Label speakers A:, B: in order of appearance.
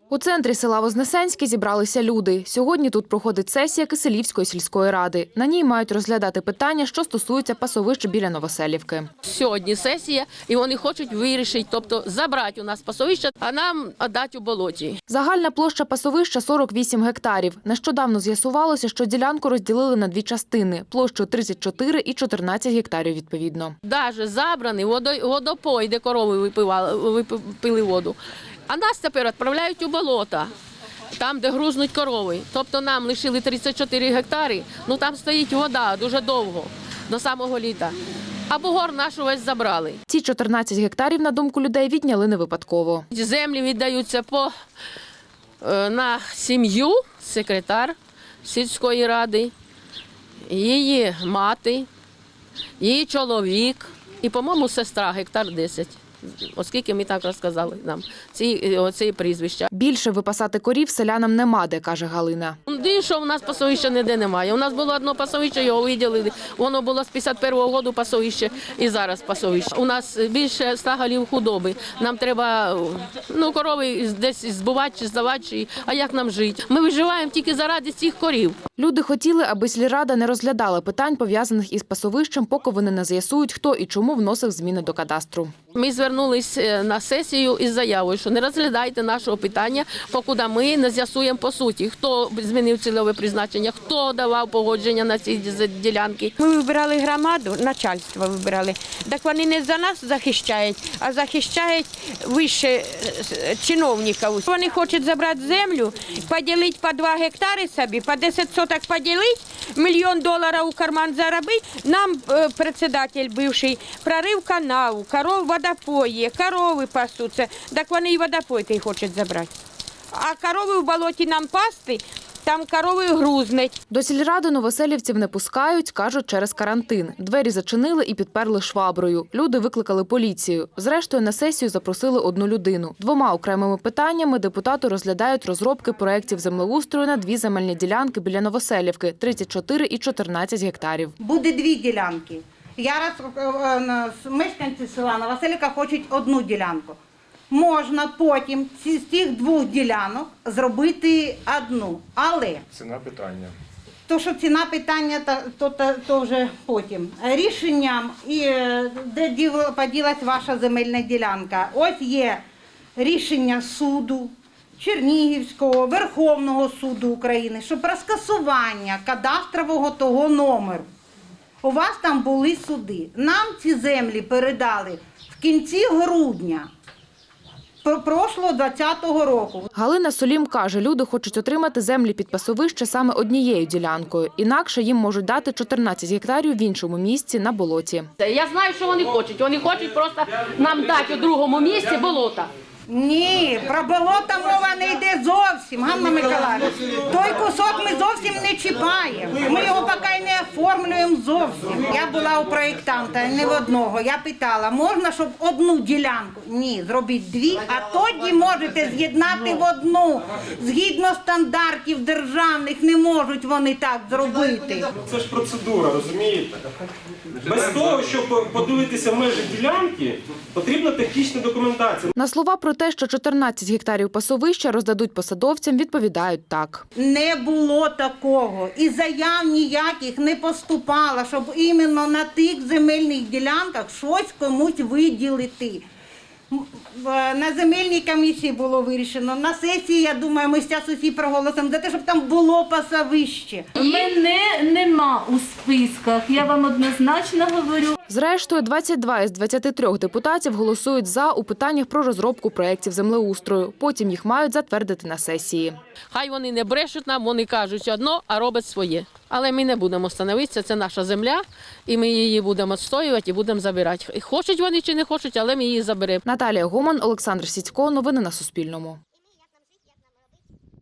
A: У центрі села Вознесенське зібралися люди. Сьогодні тут проходить сесія Киселівської сільської ради. На ній мають розглядати питання, що стосуються пасовищ біля Новоселівки.
B: Сьогодні сесія, і вони хочуть вирішити, тобто забрати у нас пасовище, а нам віддати у болоті.
A: Загальна площа пасовища – 48 гектарів. Нещодавно з'ясувалося, що ділянку розділили на дві частини – площу 34 і 14 гектарів відповідно.
B: Навіть забраний водопой, де корови пили воду. А нас тепер відправляють у болота, там, де грузнуть корови. Тобто нам лишили 34 гектари, ну там стоїть вода дуже довго, до самого літа. А бугор наш увесь забрали.
A: Ці 14 гектарів, на думку людей, відняли не випадково.
B: Землі віддаються на сім'ю, секретар сільської ради, її мати, її чоловік і, по-моєму, сестра, гектар 10. Оскільки ми так розказали нам ці прізвища.
A: Більше випасати корів селянам нема де, каже Галина.
B: Що в нас пасовища ніде немає. У нас було одне пасовище, його виділили. Воно було з 51-го року пасовище і зараз пасовище. У нас більше 100 голів худоби. Нам треба корови десь збувати чи здавати, а як нам жити? Ми виживаємо тільки заради цих корів.
A: Люди хотіли, аби сільрада не розглядала питань, пов'язаних із пасовищем, поки вони не з'ясують, хто і чому вносив зміни до кадастру.
B: Ми звернулися на сесію із заявою, що не розглядайте нашого питання, поки ми не з'ясуємо по суті, хто змінив цільове призначення, хто давав погодження на ці ділянки.
C: Ми вибирали громаду, начальство вибирали. Так вони не за нас захищають, а захищають вище чиновників. Вони хочуть забрати землю, поділити по 2 гектари собі, по 10 соток поділити, $1 мільйон у карман заробити. Нам председатель бивший прорив канал, коров водопої, корови пасуться. Так вони і водопойки хочуть забрати. А корови в болоті нам пасти, там корови грузнуть.
A: До сільради новоселівців не пускають, кажуть, через карантин. Двері зачинили і підперли шваброю. Люди викликали поліцію. Зрештою, на сесію запросили одну людину. 2 окремими питаннями депутати розглядають розробки проєктів землеустрою на 2 земельні ділянки біля Новоселівки – 34 і 14 гектарів.
D: Буде 2 ділянки. Мешканці села Новоселівка хочуть 1 ділянку. Можна потім з цих 2 ділянок зробити 1. Але
E: ціна питання.
D: То, що ціна питання, то вже потім. Рішенням, де поділась ваша земельна ділянка. Ось є рішення суду Чернігівського, Верховного суду України, що про скасування кадастрового того номеру. У вас там були суди. Нам ці землі передали в кінці грудня прошлого 2020 року.
A: Галина Солім каже, люди хочуть отримати землі під пасовище саме однією ділянкою. Інакше їм можуть дати 14 гектарів в іншому місці на болоті.
B: Я знаю, що вони хочуть. Вони хочуть просто нам дати у другому місці болота.
D: Ні, про болота мова не йде зовсім, Ганна Миколаївна. Той кусок ми зовсім не чіпаємо. Ми його поки не оформлюємо зовсім. Я була у проєктанта, не в одного. Я питала, можна, щоб 1 ділянку? Ні, зробіть 2, а тоді можете з'єднати в 1. Згідно стандартів державних не можуть вони так зробити.
F: Це ж процедура, розумієте? Без того, щоб подивитися межі ділянки, потрібна технічна документація.
A: На слова про те, що 14 гектарів пасовища роздадуть посадовцям, відповідають так.
D: Не було такого. І заяв ніяких не поступало, щоб іменно на тих земельних ділянках щось комусь виділити. На земельній комісії було вирішено. На сесії, я думаю, ми зараз усі проголосимо за те, щоб там було пасовище.
G: Мене нема у списках, я вам однозначно говорю.
A: Зрештою, 22 із 23 депутатів голосують «за» у питаннях про розробку проєктів землеустрою. Потім їх мають затвердити на сесії.
B: Хай вони не брешуть нам, вони кажуть одно, а роблять своє. Але ми не будемо становитися, це наша земля, і ми її будемо відстоювати і будемо забирати. Хочуть вони чи не хочуть, але ми її заберемо.
A: Наталія Гоман, Олександр Сідько. Новини на Суспільному.